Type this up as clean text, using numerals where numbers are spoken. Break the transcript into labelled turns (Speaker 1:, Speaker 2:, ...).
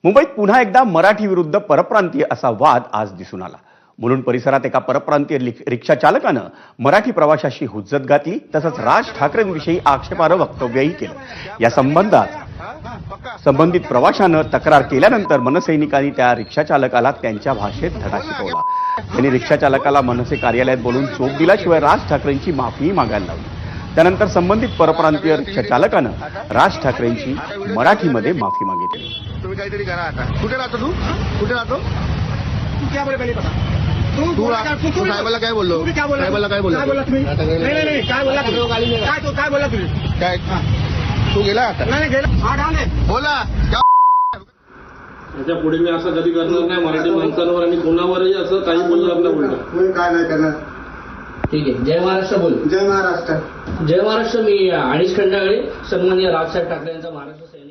Speaker 1: मुंबईत पुन्हा एकदा मराठी विरुद्ध परप्रांतीय असा वाद आज दिसून आला। मुलुंड परिसरात एका परप्रांतीय रिक्षा चालकानं मराठी प्रवाशाशी हुज्जत घातली, तसंच राज ठाकरेंविषयी आक्षेपार्ह वक्तव्यही केलं। या संबंधित प्रवाशानं तक्रार केल्यानंतर मनसैनिकांनी त्या रिक्षा चालकाला त्यांच्या भाषेत धडा शिकवला। त्यांनी रिक्षा चालकाला मनसे कार्यालयात बोलून चोप दिल्याशिवाय राज ठाकरेंची माफीही मागायला लावली। त्यानंतर संबंधित परप्रांतीय रिक्षा चालकानं राज ठाकरेंची मराठीमध्ये माफी मागितली।
Speaker 2: तुम्ही काहीतरी करा आता। कुठे राहतो तू? कुठे राहतो?
Speaker 3: क्या बोले पहले बता।
Speaker 2: तू साहेबाला काय बोललो? साहेबाला काय बोललो?
Speaker 3: नाही काय बोलला तू? काय बोलला तुम्ही?
Speaker 2: काय तू गेला आता?
Speaker 3: नाही गेला। हा ढाले
Speaker 2: बोला।
Speaker 4: त्याच्या पुढे मी असं कधी करणार नाही मराठी माणसांवर आणि कोणावरही असं काही बोलणार नाही बोलतो।
Speaker 3: मी काय नाही करणार।
Speaker 5: ठीक आहे। जय महाराष्ट्र बोल।
Speaker 3: जय महाराष्ट्र।
Speaker 5: जय महाराष्ट्र। मी अडीच खंडागळे सन्माननीय राजसाहेब ठाकरे यांचा महाराष्ट्र सैनिक